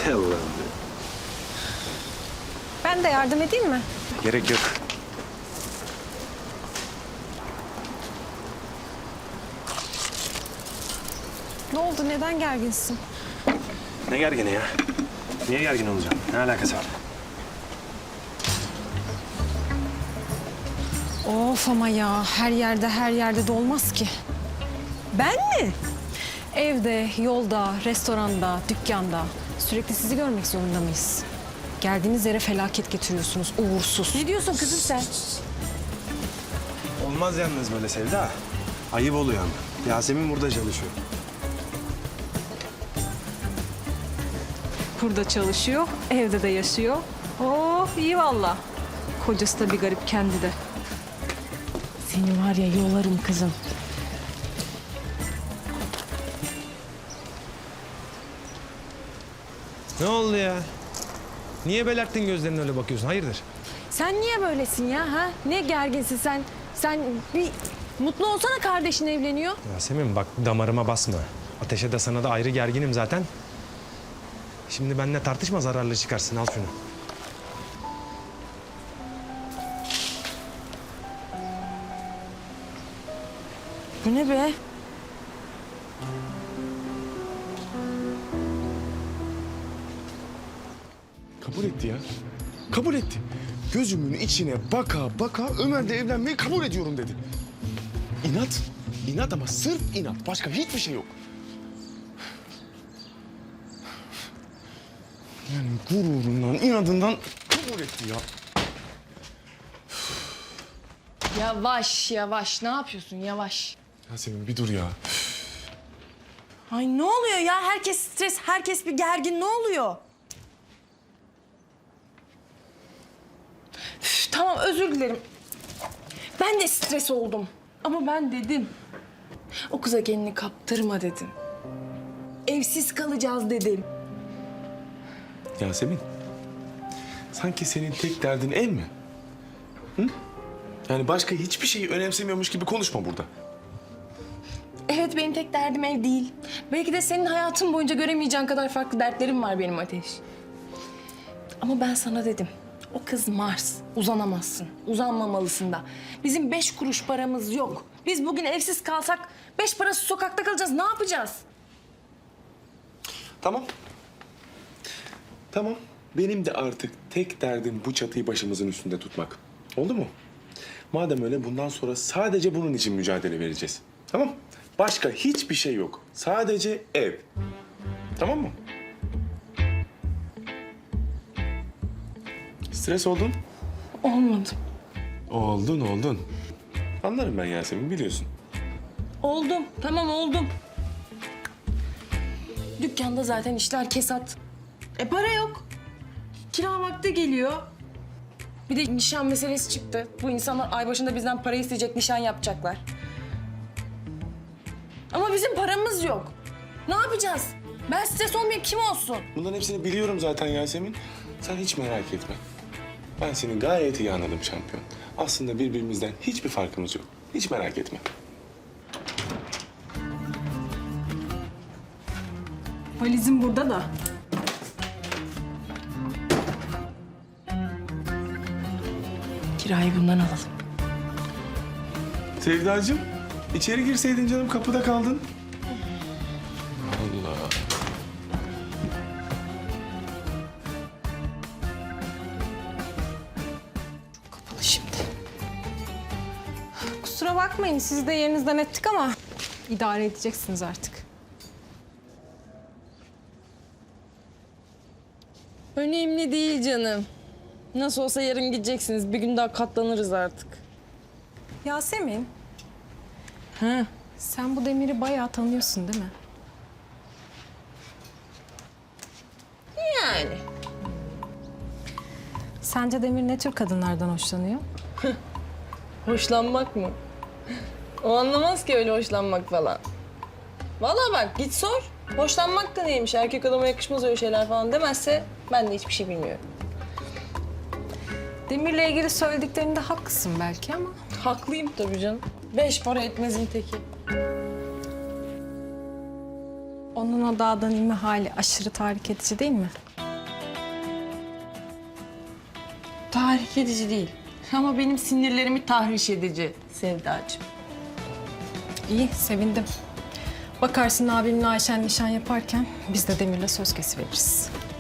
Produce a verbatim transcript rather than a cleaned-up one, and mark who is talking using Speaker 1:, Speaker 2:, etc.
Speaker 1: Allah'ım be.
Speaker 2: Ben de yardım edeyim mi?
Speaker 1: Gerek yok.
Speaker 2: Ne oldu? Neden gerginsin?
Speaker 1: Ne gergini ya? Niye gergin olacağım? Ne alakası var?
Speaker 2: Of ama ya her yerde her yerde de olmaz ki.
Speaker 3: Ben mi?
Speaker 2: Evde, yolda, restoranda, dükkanda sürekli sizi görmek zorunda mıyız? Geldiğiniz yere felaket getiriyorsunuz, uğursuz.
Speaker 3: Ne diyorsun kızım sen?
Speaker 1: Olmaz yalnız böyle Sevda. Ayıp oluyor ama. Yasemin burada çalışıyor.
Speaker 2: Burada çalışıyor, evde de yaşıyor. Oh iyi valla. Kocası da bir garip kendi de.
Speaker 3: Seni var ya yolarım kızım.
Speaker 4: Ne oldu ya? Niye belerttin gözlerine öyle bakıyorsun? Hayırdır?
Speaker 3: Sen niye böylesin ya ha? Ne gerginsin sen? Sen bir mutlu olsana, kardeşin evleniyor.
Speaker 4: Yasemin bak damarıma basma. Ateşe de sana da ayrı gerginim zaten. Şimdi benimle tartışma, zararlı çıkarsın. Al şunu.
Speaker 3: Bu ne be?
Speaker 5: Kabul etti ya. Kabul etti. Gözümün içine baka baka Ömer'le evlenmeyi kabul ediyorum dedi. İnat. İnat ama sırf inat. Başka hiçbir şey yok. Yani gururundan, inadından kabul etti ya.
Speaker 3: Yavaş yavaş, ne yapıyorsun yavaş?
Speaker 5: Yasemin bir dur ya.
Speaker 3: Ay ne oluyor ya? Herkes stres, herkes bir gergin. Ne oluyor? Üf, tamam özür dilerim. Ben de stres oldum. Ama ben dedim. O kıza kendini kaptırma dedim. Evsiz kalacağız dedim.
Speaker 5: Yasemin. Sanki senin tek derdin ev mi? Hı? Yani başka hiçbir şeyi önemsemiyormuş gibi konuşma burada.
Speaker 3: Evet, benim tek derdim ev değil. Belki de senin hayatın boyunca göremeyeceğin kadar farklı dertlerim var benim Ateş. Ama ben sana dedim. O kız Mars. Uzanamazsın. Uzanmamalısın da. Bizim beş kuruş paramız yok. Biz bugün evsiz kalsak beş parası sokakta kalacağız. Ne yapacağız?
Speaker 5: Tamam. Tamam. Benim de artık tek derdim bu çatıyı başımızın üstünde tutmak. Oldu mu? Madem öyle bundan sonra sadece bunun için mücadele vereceğiz. Tamam? Başka hiçbir şey yok. Sadece ev. Tamam mı? Stres oldun?
Speaker 3: Olmadım.
Speaker 5: Oldun, oldun. Anlarım ben Yasemin, biliyorsun.
Speaker 3: Oldum. Tamam oldum. Dükkanda zaten işler kesat. E para yok. Kira vakti geliyor. Bir de nişan meselesi çıktı. Bu insanlar ay başında bizden para isteyecek, nişan yapacaklar. Ama bizim paramız yok. Ne yapacağız? Ben stres olmayayım, kim olsun?
Speaker 5: Bunların hepsini biliyorum zaten Yasemin. Sen hiç merak etme. Ben seni gayet iyi anladım şampiyon. Aslında birbirimizden hiçbir farkımız yok. Hiç merak etme.
Speaker 3: Valizim burada da. Kirayı bundan alalım.
Speaker 5: Sevdacığım, içeri girseydin canım, kapıda kaldın. Allah.
Speaker 2: Kapalı şimdi. Kusura bakmayın sizi de yerinizden ettik ama idare edeceksiniz artık.
Speaker 3: Önemli değil canım. Nasıl olsa yarın gideceksiniz. Bir gün daha katlanırız artık.
Speaker 2: Yasemin,
Speaker 3: Ha.
Speaker 2: sen bu Demir'i bayağı tanıyorsun değil mi?
Speaker 3: Yani.
Speaker 2: Sence Demir ne tür kadınlardan hoşlanıyor?
Speaker 3: Hoşlanmak mı? O anlamaz ki öyle hoşlanmak falan. Vallahi bak git sor. Hoşlanmak da neymiş? Erkek adama yakışmaz öyle şeyler falan demezse ben de hiçbir şey bilmiyorum.
Speaker 2: Demir'le ilgili söylediklerinde haklısın belki ama...
Speaker 3: Haklıyım tabii canım. Beş para etmezin teki.
Speaker 2: O Onun o dağdan inme hali aşırı tahrik edici değil mi?
Speaker 3: Tahrik edici değil. Ama benim sinirlerimi tahriş edici Sevdacığım.
Speaker 2: İyi, sevindim. Bakarsın abimle Ayşen nişan yaparken biz de Demir'le söz kesiveririz.